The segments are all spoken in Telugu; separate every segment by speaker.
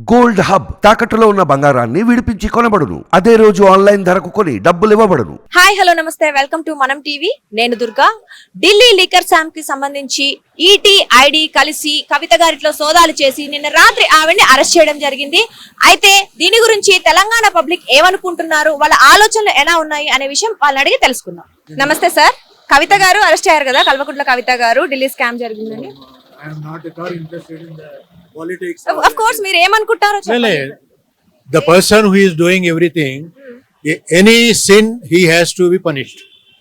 Speaker 1: గోల్డ్ హబ్ తాకట్టులో ఉన్న బంగారాన్ని విడిపించి కొనబడును. అదే రోజు ఆన్లైన్ ధరకు కొని డబ్బులు ఇవ్వబడును.
Speaker 2: హాయ్ హలో నమస్తే, వెల్కమ్ టు మనం టీవీ. నేను దుర్గా. ఢిల్లీ లీకర్ స్కామ్ కి సంబంధించి ఈటీ ఐడి కలిసి కవిత గారిలో సోదాలు చేసి నిన్న రాత్రి ఆవిడ్ని అరెస్ట్ చేయడం జరిగింది. అయితే దీని గురించి తెలంగాణ పబ్లిక్ ఏమనుకుంటున్నారు, వాళ్ళ ఆలోచనలు ఎలా ఉన్నాయి అనే విషయం వాళ్ళని అడిగి తెలుసుకుందాం. నమస్తే సార్, కవిత గారు అరెస్ట్ అయ్యారు కదా, కల్వకుంట్ల కవిత గారు, ఢిల్లీ స్కామ్ జరిగిందని.
Speaker 3: I am not at all interested in the politics.
Speaker 2: Of course మీరు ఏమనుకుంటారో చెప్పండి.
Speaker 3: The person who is doing everything, any sin, he has to be punished.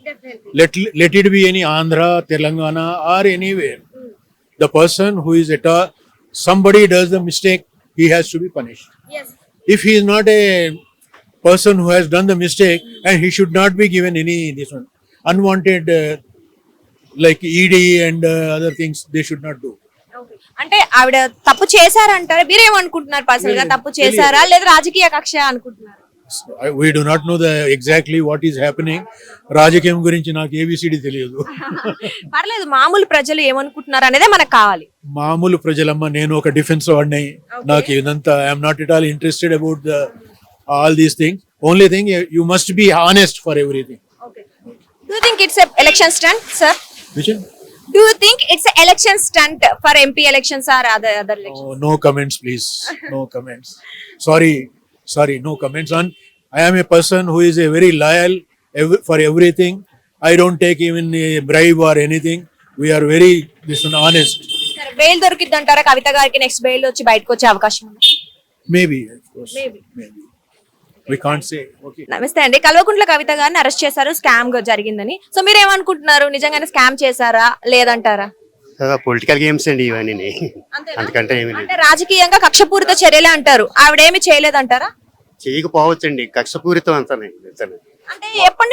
Speaker 3: Let it be any Andhra, Telangana, or anywhere. The person who is at all, somebody does the mistake, he has to be punished.
Speaker 2: Yes.
Speaker 3: If he is not a person who has done the mistake, and he should not be given any this one unwanted. Like ED and other things, they should not do.
Speaker 2: అంటే ఆవిడ తప్పు చేశారంటారా, మీరేమనుకుంటున్నారు? పర్సనల్ గా తప్పు చేశారా లేదా రాజకీయ కక్ష అనుకుంటున్నారు?
Speaker 3: We do not know exactly what is happening. రాజకీయం గురించి నాకు ఏబిసిడి తెలియదు.
Speaker 2: పర్లేదు, మామూలు ప్రజలు ఏమనుకుంటున్నారు అనేదే మనకు కావాలి.
Speaker 3: మామూలు ప్రజలమ్మ, నేను ఒక డిఫెన్స్ వాడిని. నాకు ఇదంతా I'm not at all interested about all these things. Only thing, you must be honest for everything.
Speaker 2: Do you think it's a election stunt, sir?
Speaker 3: Which one?
Speaker 2: Do you think it's a election stunt for MP elections or other elections?
Speaker 3: Oh, no comments, please. No comments. Sorry, no comments on. I am a person who is a very loyal for everything. I don't take even a bribe or anything. We are very honest.
Speaker 2: సరే, బెయిల్ దొరికిద్ది అంటారా కవిత గారికి? నెక్స్ట్ బెయిల్ వచ్చి బయటకు వచ్చే అవకాశం ఉంది?
Speaker 3: Maybe, of course.
Speaker 2: Maybe.
Speaker 3: We can't say. Okay.
Speaker 2: నమస్తే అండి, కల్వకుంట్ల కవిత గారిని అరెస్ట్ చేశారు, స్కామ్ జరిగిందని. సో మీరు ఏమనుకుంటున్నారు, నిజంగానే స్కామ్ చేశారా లేదంటారా?
Speaker 4: పొలిటికల్ గేమ్స్ అండి ఇవన్నీ, అంతకంటే ఏమి లేదు.
Speaker 2: అంటే రాజకీయంగా కక్షపూరిత చర్యలే అంటారు, ఆవిడేమి చేయలేదంటారా?
Speaker 4: చేయకపోవచ్చండి, కక్షపూరితం అంతానే.
Speaker 2: అంటే ఎప్పటి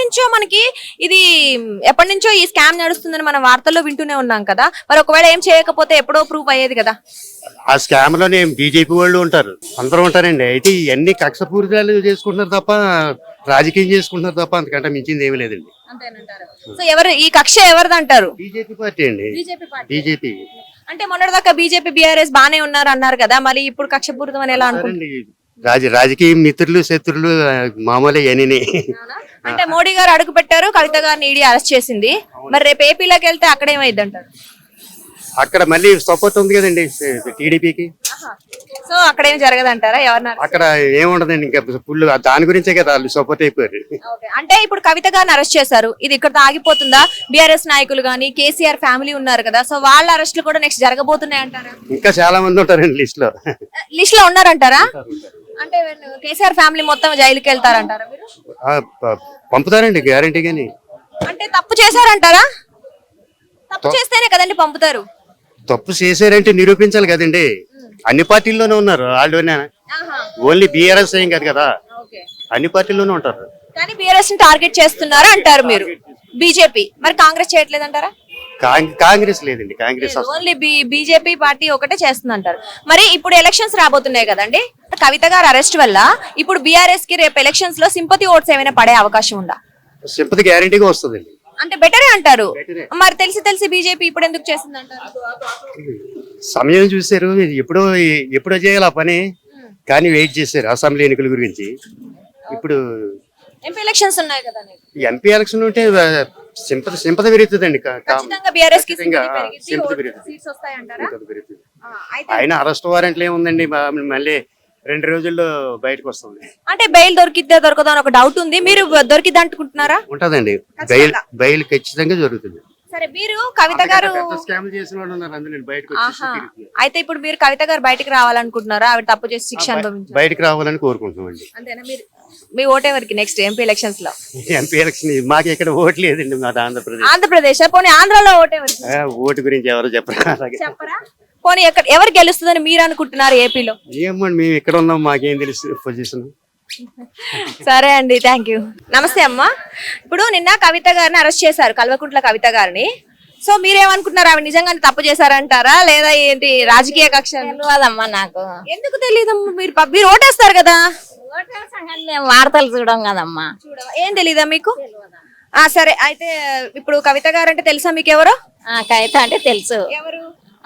Speaker 2: నుంచో ఈ స్కామ్ నడుస్తుందని మనం వార్తల్లో వింటూనే ఉన్నాం కదా, మరి ఒకవేళ ఏం చేయకపోతే ఎప్పుడో ప్రూఫ్ అయ్యేది కదా.
Speaker 4: ఆ స్కామ్ లోనే బీజేపీ వాళ్ళు ఉంటారు, అందరూ ఉంటారండి. అయితే ఇవన్నీ కక్షపూరితాలు చేసుకుంటున్నారు తప్ప, రాజకీయం చేసుకుంటున్నారు తప్ప, అంతకంటే మించింది ఏమీ లేదండి.
Speaker 2: సో ఎవరు ఈ కక్ష ఎవరిది అంటారు?
Speaker 4: బీజేపీ పార్టీ అండి. బీజేపీ
Speaker 2: అంటే మొన్నటిదాకా బీజేపీ బీఆర్ఎస్ బానే ఉన్నారు అన్నారు కదా, మరి ఇప్పుడు కక్షపూరితం అని ఎలా అనుకుంటారు?
Speaker 4: రాజకీయ మిత్రులు శత్రులు మామూలే ఇవన్నీ.
Speaker 2: అంటే మోడీ గారు అడుగు పెట్టారు, కవిత గారిని ఈడీ అరెస్ట్ చేసింది, మరి రేపు ఏపీలోకి వెళ్తే అక్కడ ఏమైంది అంటారు?
Speaker 4: అక్కడ మళ్ళీ సపోర్ట్ ఉంది కదండి టీడీపీకి.
Speaker 2: సో అక్కడ ఏం జరగదంటారా? ఎవరన్నారు?
Speaker 4: అక్కడ ఏముండదండి, ఇంకా ఫుల్ దాని గురించే కదా వాళ్ళు సపోర్ట్ అయిపోయారు.
Speaker 2: అంటే ఇప్పుడు కవిత గారిని అరెస్ట్ చేశారు, ఇది ఇక్కడ ఆగిపోతుందా? బీఆర్ఎస్ నాయకులు గానీ కేసీఆర్ ఫ్యామిలీ ఉన్నారు కదా, సో వాళ్ళ అరెస్టులు కూడా నెక్స్ట్ జరగబోతున్నాయి అంటారా?
Speaker 4: ఇంకా చాలా మంది ఉంటారండి లిస్ట్ లో
Speaker 2: ఉన్నారంటారా? అంటే కేసీఆర్ ఫ్యామిలీ మొత్తం జైలుకి వెళ్తారంటారా మీరు?
Speaker 4: పంపుతారండి గ్యారంటీ గాని.
Speaker 2: అంటే తప్పు చేశారంటారా? తప్పు చేస్తేనే కదండి పంపుతారు.
Speaker 4: తప్పు చేశారంటే నిరూపించాలి కదండి. అన్ని పార్టీల్లోనే ఉన్నారు వాళ్ళు, ఓన్లీ బీఆర్ఎస్ ఏం కాదు కదా, అన్ని పార్టీల్లోనే ఉంటారు.
Speaker 2: కానీ బీఆర్ఎస్ ని టార్గెట్ చేస్తున్నారు అంటారు మీరు. బీజేపీ మరి కాంగ్రెస్ చేయట్లేదంటారా?
Speaker 4: కాంగ్రెస్ లేదండి, కాంగ్రెస్
Speaker 2: ఓన్లీ బీజేపీ పార్టీ ఒకటే చేస్తుంది అంటారు. మరి ఇప్పుడు ఎలక్షన్స్ రాబోతున్నాయి కదండి, కవిత గారు అరెస్ట్ వల్ల ఇప్పుడు బీఆర్ఎస్ కి రేపు ఎలక్షన్స్ లో సింపతి ఓట్స్ ఏమైనా పడే అవకాశం ఉందా?
Speaker 4: సింపతి గ్యారంటీగా వస్తుందండి.
Speaker 2: అంటే బెటరే అంటారు. మరి తెలిసి బీజేపీ ఇప్పుడు ఎందుకు చేస్తుంది అంటారు?
Speaker 4: సమయం చూసారు, ఎప్పుడో చేయాలి ఆ పని, కానీ వెయిట్ చేశారు అసెంబ్లీ ఎన్నికల గురించి. ఇప్పుడు
Speaker 2: ఎంపీ ఎలక్షన్స్ ఉన్నాయి కదా,
Speaker 4: ఎంపీ ఎలక్షన్ ఉంటే సింపతి పెరుగుతుందండి. ఆయన అరెస్ట్ వారెంట్లు ఏముందండి, మళ్ళీ 2 రోజుల్లో బయటకు వస్తుంది.
Speaker 2: అంటే బెయిల్ దొరకదా అని ఒక డౌట్ ఉంది, మీరు దొరికిద్ది అనుకుంటున్నారా?
Speaker 4: ఉంటదండి, బెయిల్ ఖచ్చితంగా జరుగుతుంది.
Speaker 2: సరే, మీరు కవిత గారు అయితే ఇప్పుడు మీరు కవిత గారు బయటకు రావాలనుకుంటున్నారా? ఆవిడ తప్పు చేసి శిక్ష అనుభవించాలి,
Speaker 4: బయటకు రావాలని కోరుకుంటున్నామండి.
Speaker 2: అంతేనా? మీరు మీ ఓటెవరికి నెక్స్ట్ ఎంపీ ఎలక్షన్స్ లో?
Speaker 4: ఎంపీ ఎలక్షన్ మాకు ఇక్కడ ఓటు లేదండి, మాది
Speaker 2: ఆంధ్రప్రదేశ్. పోనీ ఆంధ్రాలో ఓటెవరికి?
Speaker 4: ఓటు గురించి ఎవరు
Speaker 2: చెప్పరా? పోనీ ఎవరు గెలుస్తుందని మీరు అనుకుంటున్నారు ఏపీలో?
Speaker 4: ఏమండి, మేము ఇక్కడ ఉన్నాం, మాకేం తెలుసు పొజిషన్.
Speaker 2: సరే అండి, థ్యాంక్ యూ. నమస్తే అమ్మా. ఇప్పుడు నిన్న కవిత గారిని అరెస్ట్ చేశారు, కల్వకుంట్ల కవిత గారిని. సో మీరేమనుకుంటున్నారు, ఆవిడ నిజంగానే తప్పు చేశారంటారా లేదా ఏంటి రాజకీయ కక్ష?
Speaker 5: తెలియదమ్మా నాకు.
Speaker 2: ఎందుకు తెలియదమ్మా? మీరు ఓటేస్తారు కదా.
Speaker 5: వార్తలు చూడం కదమ్మా.
Speaker 2: ఏం తెలీదా మీకు? సరే, అయితే ఇప్పుడు కవిత గారు అంటే తెలుసా మీకు? ఎవరు
Speaker 5: కవిత అంటే తెలుసు.
Speaker 2: ఎవరు?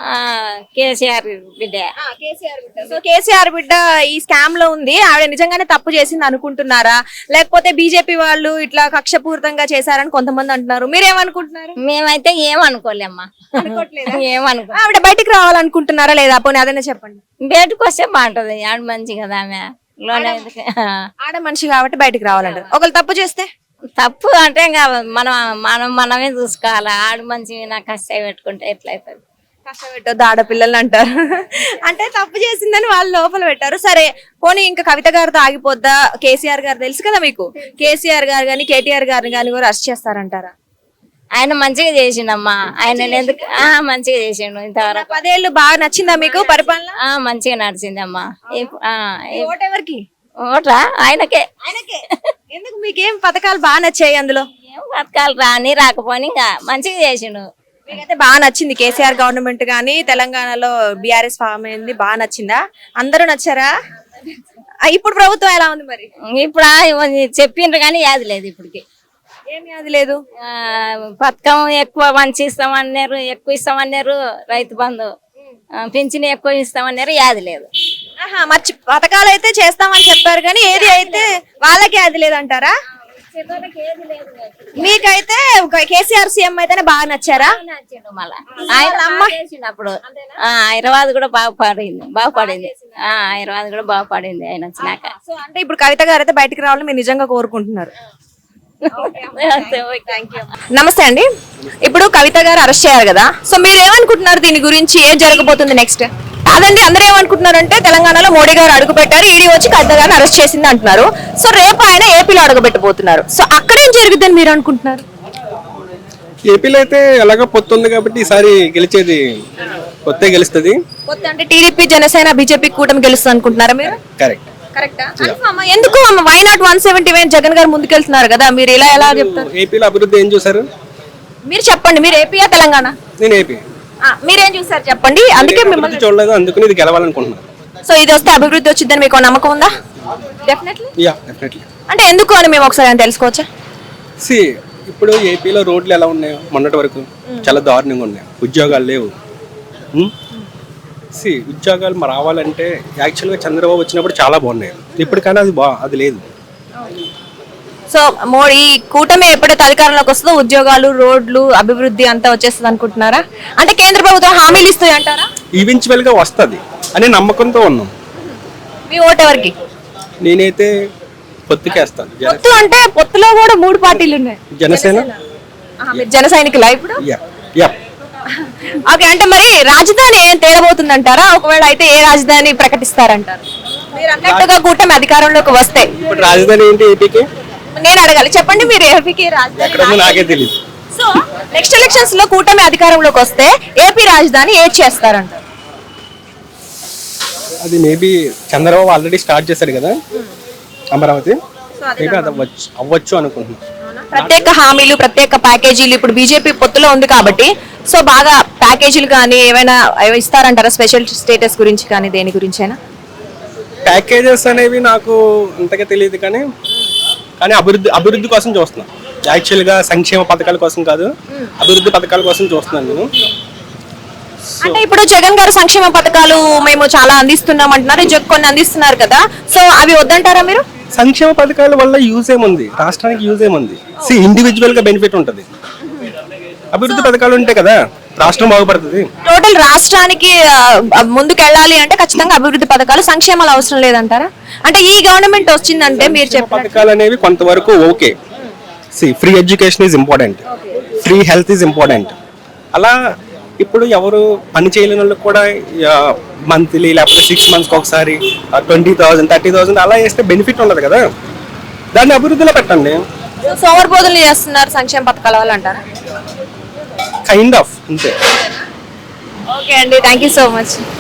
Speaker 5: కేసీఆర్ బిడ్డ.
Speaker 2: సో కేసీఆర్ బిడ్డ ఈ స్కామ్ లో ఉంది, ఆవిడ నిజంగానే తప్పు చేసింది అనుకుంటున్నారా, లేకపోతే బీజేపీ వాళ్ళు ఇట్లా కక్షపూరితంగా చేశారని కొంతమంది అంటున్నారు, మీరేమనుకుంటున్నారు?
Speaker 5: మేమైతే ఏమనుకోలేమ్మా, ఏమనుకో.
Speaker 2: ఆవిడ బయటికి రావాలనుకుంటున్నారా లేదా? పోనీ అదనే చెప్పండి.
Speaker 5: బయటకు వస్తే బాగుంటది, ఆడ మంచి కదా ఆమె లోన.
Speaker 2: ఆడ మనిషి కాబట్టి బయటికి రావాలంటారు. ఒకళ్ళు తప్పు చేస్తే
Speaker 5: తప్పు అంటే ఇంకా మనమే చూసుకోవాలి. ఆడు మంచి నాకు కష్టాయి పెట్టుకుంటే ఎట్లయితుంది.
Speaker 2: కష్టపెట్టొద్దు ఆడపిల్లలు అంటారు. అంటే తప్పు చేసిందని వాళ్ళు లోపల పెట్టారు. సరే పోనీ ఇంకా కవిత గారితో ఆగిపోద్దా? కేసీఆర్ గారు తెలుసు కదా మీకు, కేసీఆర్ గారు కానీ కేటీఆర్ గారిని కానీ కూడా అరెస్ట్ చేస్తారంటారా?
Speaker 5: ఆయన మంచిగా చేసిండమ్మా, ఆయన ఎందుకు మంచిగా చేసిండు ఇంతవరకు.
Speaker 2: 10 ఏళ్ళు బాగా నచ్చిందా మీకు పరిపాలన?
Speaker 5: మంచిగా నడిచిందమ్మా.
Speaker 2: ఓటు ఎవరికి?
Speaker 5: ఓట్రా ఆయనకే.
Speaker 2: ఎందుకు మీకేం పథకాలు బాగా నచ్చాయి అందులో?
Speaker 5: ఏం పథకాలు రాని రాకపోని ఇంకా మంచిగా చేసిండు.
Speaker 2: మీకైతే బాగా నచ్చింది కేసీఆర్ గవర్నమెంట్ కానీ తెలంగాణలో బీఆర్ఎస్ ఫామ్ అయింది, బాగా నచ్చిందా? అందరూ నచ్చారా? ఇప్పుడు ప్రభుత్వం ఎలా ఉంది మరి?
Speaker 5: ఇప్పుడు చెప్పిండ్రు కానీ యాది లేదు ఇప్పటికి.
Speaker 2: ఏం యాది లేదు?
Speaker 5: పథకం ఎక్కువ మంచి ఇస్తామన్నారు, ఎక్కువ ఇస్తామన్నారు. రైతు బంధు పింఛన్ ఎక్కువ ఇస్తామన్నారు, యాది లేదు.
Speaker 2: మర్చి పథకాలు అయితే చేస్తామని చెప్పారు కానీ ఏది అయితే వాళ్ళకి అది లేదంటారా? మీకైతే కేసీఆర్ సీఎం అయితేనే బాగా నచ్చారా?
Speaker 5: మళ్ళా ఆయన చేసినప్పుడు హైదరాబాద్ కూడా బాగుపడింది. హైదరాబాద్ కూడా బాగుపడింది ఆయన వచ్చినాక.
Speaker 2: సో అంటే ఇప్పుడు కవిత గారు అయితే బయటకు రావాలని మీరు నిజంగా కోరుకుంటున్నారు. నమస్తే అండి. ఇప్పుడు కవిత గారు అరెస్ట్ చేయాలి కదా, సో మీరు ఏమనుకుంటున్నారు దీని గురించి? ఏం జరగబోతుంది నెక్స్ట్? అదండి, అందరూ ఏమనుకుంటున్నారంటే తెలంగాణలో మోడీ గారు అడుగు పెట్టారు, ఈడీ వచ్చి కవిత గారిని అరెస్ట్ చేసింది అంటున్నారు. సో రేపు ఆయన ఏపీలో అడుగుపెట్టబోతున్నారు. సో అక్కడ ఏం జరుగుతుందని మీరు అనుకుంటున్నారు?
Speaker 6: ఏపీలో అయితే ఎలాగో పొత్తు ఉంది కాబట్టి ఈసారి గెలిచేది పొత్తే గెలుస్తుంది.
Speaker 2: పొత్తు అంటే టీడీపీ, జనసేన, బీజేపీ కూటమి గెలుస్తుంది అనుకుంటున్నారా మీరు?
Speaker 6: కరెక్ట్.
Speaker 2: ఎందుకు వై నాట్ 179 జగన్ గారు ముందుకెళ్తున్నారు కదా, మీరు ఇలా ఎలా చెప్తారు?
Speaker 6: ఏపీలో అభివృద్ధి ఏం చూసారు
Speaker 2: మీరు చెప్పండి. మీరు ఏపీయా తెలంగాణ?
Speaker 6: నేను ఏపీ.
Speaker 2: మీరేం చూసారు చెప్పండి. అందుకే మిమ్మల్ని
Speaker 6: చూడలేదు, అందుకని ఇది గెలవాలనుకుంటున్నాను.
Speaker 2: సో ఇది వస్తే అభివృద్ధి వచ్చిందని మీకు నమ్మకం ఉందా?
Speaker 6: డెఫినెట్లీ.
Speaker 2: అంటే ఎందుకు అని మేము ఒకసారి తెలుసుకోవచ్చా?
Speaker 6: ఇప్పుడు ఏపీలో రోడ్లు ఎలా ఉన్నాయో మొన్నటి వరకు చాలా దారుణంగా ఉన్నాయి. ఉద్యోగాలు లేవు. ఉద్యోగాలు రావాలంటే యాక్చువల్గా చంద్రబాబు వచ్చినప్పుడు చాలా బాగున్నాయి. ఇప్పుడు కానీ అది లేదు.
Speaker 2: సో మోడీ కూటమి ఎప్పుడైతే అధికారంలోకి వస్తుందో ఉద్యోగాలు, రోడ్లు, అభివృద్ధి అంతా వచ్చేస్తుంది అనుకుంటున్నారా? అంటే కేంద్ర ప్రభుత్వం హామీలు ఇస్తుంది అంటారా?
Speaker 6: ఈవెన్చువల్ గా వస్తుంది అనే నమ్మకంతో ఉన్నాం.
Speaker 2: మీ ఓటు ఎవరికి?
Speaker 6: నేనైతే పొత్తుకేస్తాను.
Speaker 2: పొత్తు అంటే పొత్తులో కూడా 3 పార్టీలు ఉన్నాయి.
Speaker 6: జనసేన.
Speaker 2: మీరు జన సైనికులా ఇప్పుడు? ఓకే. అంటే మరి రాజధాని ఏం తేలబోతుంది అంటారా? ఒకవేళ అయితే ఏ రాజధాని ప్రకటిస్తారంటారు? మీరు అన్నట్టుగా కూటమి అధికారంలోకి వస్తే
Speaker 6: ఇప్పుడు రాజధాని ఏంటి ఏపీకి?
Speaker 2: నేను అడగాలి, చెప్పండి. మీరు ఏపీకి రాజధాని
Speaker 6: నాకే తెలియదు.
Speaker 2: సో నెక్స్ట్ ఎలక్షన్స్ లో కూటమి అధికారంలోకి వస్తే ఏపీ రాజధాని ఏది చేస్తారంటారు?
Speaker 6: అది మేబీ చంద్రబాబు ఆల్రెడీ స్టార్ట్ చేశాడు కదా అమరావతి, మేబీ అది అవ్వచ్చు అనుకుంటున్నాను.
Speaker 2: ప్రత్యేక హామీలు, ప్రత్యేక ప్యాకేజీలు ఇప్పుడు బీజేపీ పొత్తులో ఉంది కాబట్టి సో బాగా ప్యాకేజీలు కానీ ఏమైనా ఇస్తారంటారా? స్పెషల్ స్టేటస్ గురించి కానీ దేని గురించి అయినా?
Speaker 6: ప్యాకేజెస్ అనేవి నాకు అంతగా తెలియదు కానీ అభివృద్ధి కోసం చూస్తున్నాను. యాక్చువల్గా సంక్షేమ పథకాల కోసం కాదు, అభివృద్ధి పథకాల కోసం చూస్తున్నాను నేను.
Speaker 2: అంటే ఇప్పుడు జగన్ గారు సంక్షేమ పథకాలు మేము చాలా అందిస్తున్నాం అంటున్నారు, కొన్ని అందిస్తున్నారు కదా, సో అవి వద్దంటారా మీరు?
Speaker 6: సంక్షేమ పథకాల వల్ల యూజ్ ఏముంది, రాష్ట్రానికి యూజ్ ఏముంది? ఇండివిజువల్ గా బెనిఫిట్ ఉంటుంది. అభివృద్ధి పథకాలు ఉంటాయి కదా, రాష్ట్రం బాగుపడుతుంది.
Speaker 2: టోటల్ రాష్ట్రానికి ముందుకు వెళ్ళాలి అంటే ఖచ్చితంగా అభివృద్ధి పథకాలు, సంక్షేమాలు అవసరం లేదంటారా? అంటే ఈ గవర్నమెంట్ వచ్చిందంటే మీరు చెప్పే
Speaker 6: పథకాలు అనేవి కొంతవరకు okay. Free education is important, free health is important. అలా ఇప్పుడు ఎవరు పని చేయలేని వాళ్ళకి కూడా మంత్లీ లేకపోతే 6 months ఒకసారి 20,000 30,000 అలా వేస్తే బెనిఫిట్ ఉండదు కదా, దాన్ని అభివృద్ధిలో పెట్టండి.
Speaker 2: సోమరిపోతులు చేస్తున్నారు సంక్షేమ పథకాల వల్ల అంటారా?
Speaker 6: కైండ్ ఆఫ్ అంతే.
Speaker 2: ఓకే అండి, థ్యాంక్ యూ సో మచ్.